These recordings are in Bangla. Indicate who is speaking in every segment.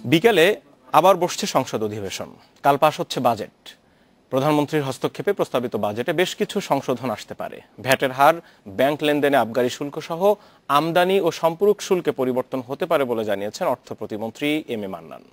Speaker 1: বিকেলে আবার বসছে সংসদ অধিবেশন। কাল পাশ হচ্ছে বাজেট। প্রধানমন্ত্রীর হস্তক্ষেপে প্রস্তাবিত বাজেটে বেশ কিছু সংশোধন আসতে পারে। ভ্যাটের হার, ব্যাংক লেনদেনে আবগারি শুল্ক সহ আমদানি ও সম্পূরক শুল্কে পরিবর্তন হতে পারে বলে জানিয়েছেন অর্থ প্রতিমন্ত্রী এম এ মান্নান।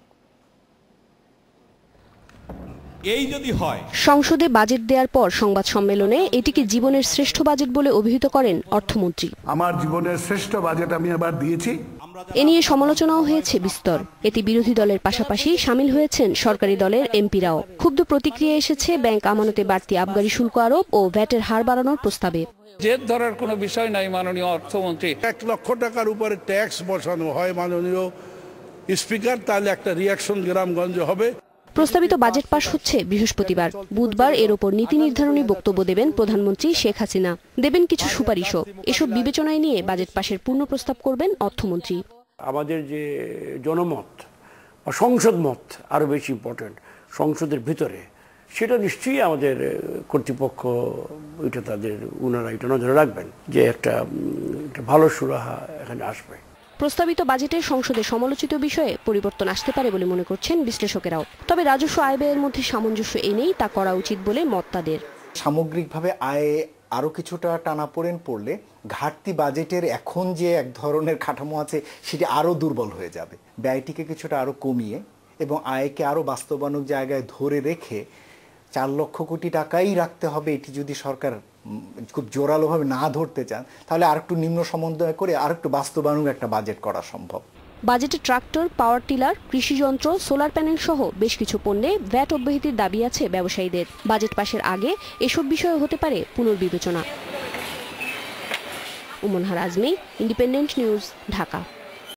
Speaker 2: এই যদি হয়,
Speaker 3: সংসদে বাজেট দেওয়ার পর সংবাদ সম্মেলনে এটিকে জীবনের শ্রেষ্ঠ বাজেট বলে অভিহিত করেন অর্থমন্ত্রী।
Speaker 4: আমার জীবনের শ্রেষ্ঠ বাজেট আমি এবার দিয়েছি।
Speaker 3: এ নিয়ে সমালোচনাও হয়েছে বিস্তর। এতে বিরোধী দলের পাশাপাশি সামিল হয়েছেন সরকারি দলের এমপিরাও। ক্ষুব্ধ প্রতিক্রিয়া এসেছে ব্যাংক আমানতে বাড়তি আবগারি শুল্ক আরোপ ও ভ্যাটের হার বাড়ানোর প্রস্তাবে।
Speaker 5: জেদ ধরার কোনো বিষয় নাই মাননীয় অর্থমন্ত্রী।
Speaker 4: 1 লক্ষ টাকার উপরে ট্যাক্স বসানো হয় মাননীয় স্পিকার, তাহলে একটা রিয়াকশন গ্রামগঞ্জে হবে।
Speaker 3: প্রস্তাবিত বাজেট পাশ হচ্ছে বৃহস্পতিবার। বুধবার এর ওপর নীতি নির্ধারণী বক্তব্য দেবেন প্রধানমন্ত্রী শেখ হাসিনা। দেবেন কিছু সুপারিশও। এসব বিবেচনায় নিয়ে বাজেট পাশের পূর্ণ প্রস্তাব করবেন অর্থমন্ত্রী।
Speaker 6: আমাদের যে জনমত বা সংসদ মত আরো বেশি ইম্পর্টেন্ট সংসদের ভিতরে, সেটা নিশ্চয়ই আমাদের কর্তৃপক্ষ ওইটা ওনারা এটা নজরে রাখবেন যে একটা ভালো সুরাহা এখানে আসবে।
Speaker 3: প্রস্তাবিত বাজেটে সংসদে সমালোচিত বিষয়ে পরিবর্তন আসতে পারে বলে মনে করছেন বিশ্লেষকেরাও। তবে রাজস্ব আয় ব্যয়ের মধ্যে সামঞ্জস্য এনেই তা করা উচিত বলে মত তাদের।
Speaker 7: সামগ্রিকভাবে আয়ে আরও কিছুটা টানাপোড়েন পড়লে ঘাটতি বাজেটের এখন যে এক ধরনের কাঠামো আছে সেটি আরও দুর্বল হয়ে যাবে। ব্যয়টিকে কিছুটা আরও কমিয়ে এবং আয়কে আরও বাস্তবায়নের জায়গায় ধরে রেখে 4 লক্ষ কোটি টাকাই রাখতে হবে। এটি যদি সরকার খুব জোরালোভাবে না ধরতে চান, তাহলে আরেকটু নিম্ন সমন্বয় করে আরেকটু বাস্তবায়নের একটা বাজেট করা সম্ভব।
Speaker 3: বাজেটে ট্রাক্টর, পাওয়ার টিলার, কৃষিযন্ত্র, সোলার প্যানেল সহ বেশ কিছু পণ্যে ভ্যাট অব্যাহতির দাবি আছে ব্যবসায়ীদের। বাজেট পাশের আগে এসব বিষয়ে হতে পারে পুনর্বিবেচনা। Umnahar Azmi, Independent News, Dhaka.